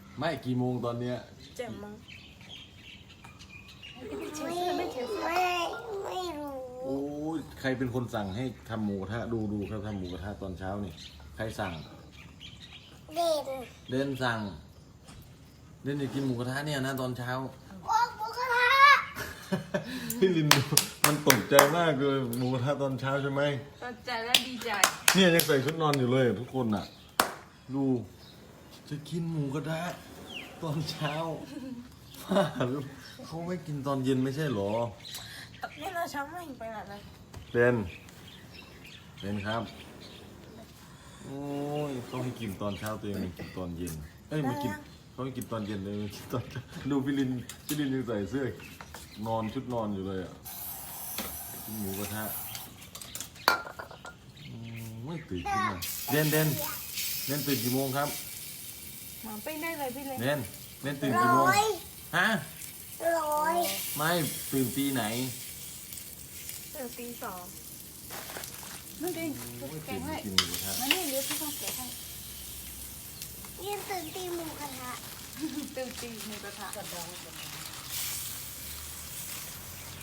ไม่กี่โมงตอนเนี้ย 7 โมงไม่รู้โอ้ยใครเป็นคนสั่งให้ทำหมูกระทะดูครับทำหมูกระทะตอนเช้านี่ใครสั่งเด่นเด่นสั่งเด่นอยากกินหมูกระทะเนี่ยนะตอนเช้าโอ้หมูกระทะพี่ลินดูมันตกใจมากเลยหมูกระทะตอนเช้าใช่ไหมตกใจและดีใจเนี่ยยังใส่ชุดนอนอยู่เลยทุกคนอ่ะ ดูจะกินหมูกระทะตอนเช้าเขาไม่กินตอนเย็นไม่ใช่หรอนี่เราเช้าไม่ไปไหนเลยเด่นครับโอ้ยเขาให้กินตอนเช้าตัวเองไม่กินตอนเย็นเอ้ยไม่กินเขาให้กินตอนเย็นเลยไม่กินตอนเช้าดูพี่ลินยังใส่เสื้อนอนชุดนอนอยู่เลยอ่ะกินหมูกระทะไม่ตื่นขึ้นมาเด่นตื่นกี่โมงครับหมาปิ้งได้เลยพี่เล็กเด่นตื่นกี่โมงร้อยฮะร้อยไม่ตื่นตีไหนตื่นตี 2นั่นเองโอ้ยแกตื่นงให้กินหมูกระทะมานี่เดี๋ยวพี่ต้องแกะให้ยืนตื่นตีหมูกระทะตื่นตีหมูกระทะ